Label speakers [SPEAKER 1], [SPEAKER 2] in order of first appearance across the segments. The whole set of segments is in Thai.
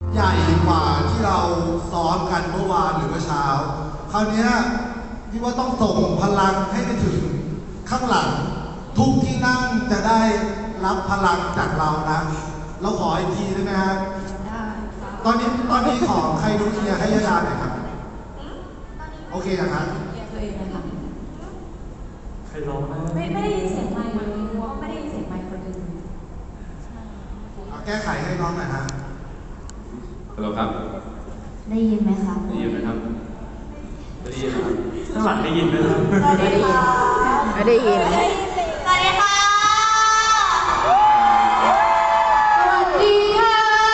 [SPEAKER 1] ใหญ่กว่าที่เราซ้อมกันเมื่อวานหรือเมื่อเช้าคราวนี้พี่ว่าต้องส่งพลังให้ไปถึงข้างหลังทุกที่นั่งจะได้รับพลังจากเรานะเราขออีกทีได้ไหมครับตอนนี้ขอใครดูเคลียร์ให้ยาดาหน่อยครับโอเคนะครับ
[SPEAKER 2] ตัวเองนะคะ
[SPEAKER 3] ใครร้องนะ
[SPEAKER 2] ไม่ได้ยินเสียงไมค์เลยเพราะว่าไม่ได้ยินเสียงไมค์คนอื่น
[SPEAKER 1] เอาแก้ไขให้น้องหน่อยฮะ
[SPEAKER 4] ฮัลโหลครับ
[SPEAKER 2] ได้ยินไหมคะ
[SPEAKER 4] ได้ยินไหมครับไม่ได้ยินครับ
[SPEAKER 3] ข้างหลังได้ยินไหมครับ
[SPEAKER 2] ไม่ได้ยิน
[SPEAKER 5] ไม่ได้ยิน
[SPEAKER 2] สวัสดีค่ะสวัสดีค่ะ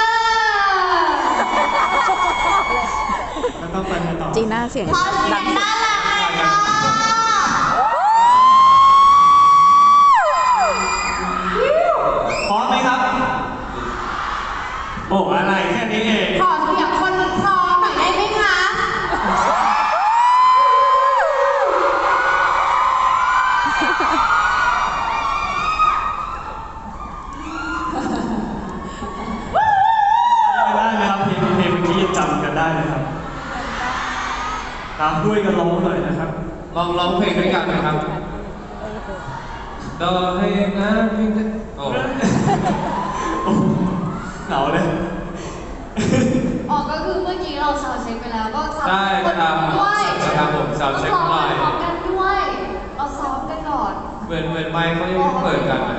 [SPEAKER 3] แล้วต้องไปไหนต่อ
[SPEAKER 5] จีน่าเสียงดังสุด
[SPEAKER 3] พร้อมไหมครับโอ้อะไรแค่นี้เอง
[SPEAKER 2] ขอเสียงคนพร้อมหน่อยได้ไหมคะ
[SPEAKER 3] ได้ไหมครับเพลงเมื่อกี้ยังจำกันได้ไหมครับตามด้วยกันร้องหน่อยนะครับ
[SPEAKER 4] ร้องเพลงด้วยกันไหมครับต่อให้นะพี่โอ้
[SPEAKER 3] เหงาเลย
[SPEAKER 2] อ๋อก็คือเมื่อกี้เราซาวด์เช็คไปแล้วก็ซาวด์
[SPEAKER 4] ได้ครับครับผมซาวด์เช็คหน่อย
[SPEAKER 2] พร้อมกันด้วยเราซ้อมกันก่อน
[SPEAKER 4] เหมือนไมค์เขายังไม่เปิดกันนะ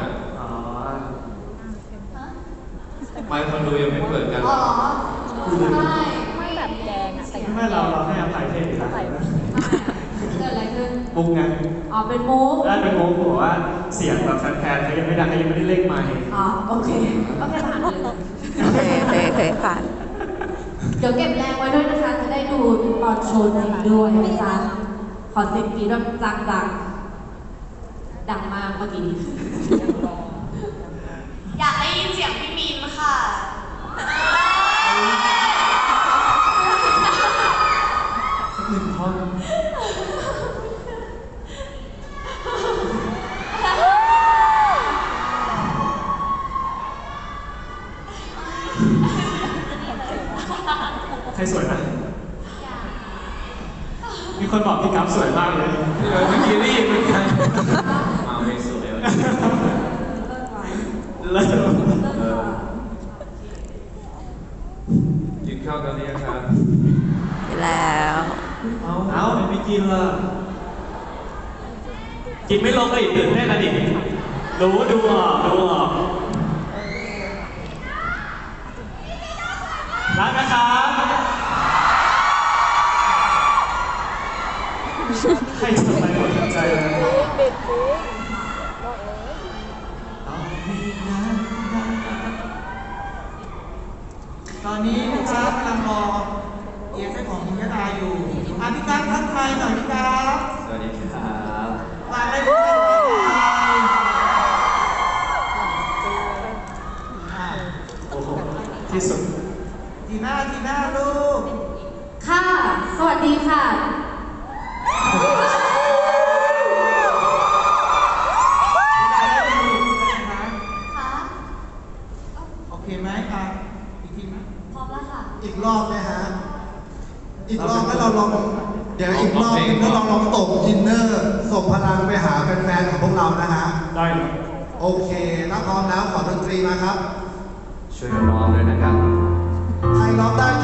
[SPEAKER 4] ไมค์คนดูยังไม่เปิดกัน
[SPEAKER 2] อ๋อใช่
[SPEAKER 5] ไม่แบบแดงอะแต่
[SPEAKER 3] ไม่เราให้อภัยเทพอยู่แล้ว
[SPEAKER 2] เกิดอะไรขึ้น
[SPEAKER 3] มุกไง
[SPEAKER 2] อ๋อเป็นมุก
[SPEAKER 3] ได้เป็นมุกบอกว่าเสียงแบบแฟนๆเขายังไม่ดังเขายังไม่ได้เล่นไมค์
[SPEAKER 2] อ๋อโอเคผ่านเลย
[SPEAKER 5] เคยผ่าน
[SPEAKER 2] เดี๋ยวเก็บแรงไว้ด้วยนะคะจะได้ดูตอนโชว์จริงด้วยนะจ๊ะขอเสียงกรี๊ดแบบจังๆดังมากเมื่อกี้
[SPEAKER 6] อยากได้ยินเสียงพี่มีนค่ะ
[SPEAKER 3] หนึ่งท่อนใครสวยนะมีคนบอกพี่กั๊บสวยมากเลย
[SPEAKER 4] เมื่อกี้ได้ยินเหมือนกันมาไม่สวยเลย
[SPEAKER 3] แล้ว
[SPEAKER 4] กินข้าวกันหรือยังครับ
[SPEAKER 5] แล้ว
[SPEAKER 3] เอาไม่กินละกินไม่ลงก็อีกตื่นเต้นนะดิดูออกรักนะครับใครจะไปหมดใจเลย
[SPEAKER 7] ตอนนี้นะครับกำลังรอเอฟเฟกต์ของยาดาอยู่พี่กั๊บทักทายหน่อยพี่กั๊บ
[SPEAKER 4] สวัสดีครับ
[SPEAKER 7] มาได้พี่กั๊บ
[SPEAKER 3] โอ้โหที่สุด
[SPEAKER 7] ทีหน้าลูก
[SPEAKER 2] ค่ะสวัสดีค่ะ
[SPEAKER 7] โอเคไหมอีกทีไหม
[SPEAKER 2] พร้อมแล้วค่ะ
[SPEAKER 1] อีกรอบไหมฮะอีกรอบให้เราลองเดี๋ยวอีกรอบนึงเราลองตบอินเนอร์ส่งพลังไปหาแฟนๆของพวกเรานะฮะ
[SPEAKER 3] ได้ครับ
[SPEAKER 1] โอเคถ้าพร้อมแล้วขอดนตรีมาครับ
[SPEAKER 4] ช่วยกันร้องด้วยนะครับ
[SPEAKER 1] ใครร้องได้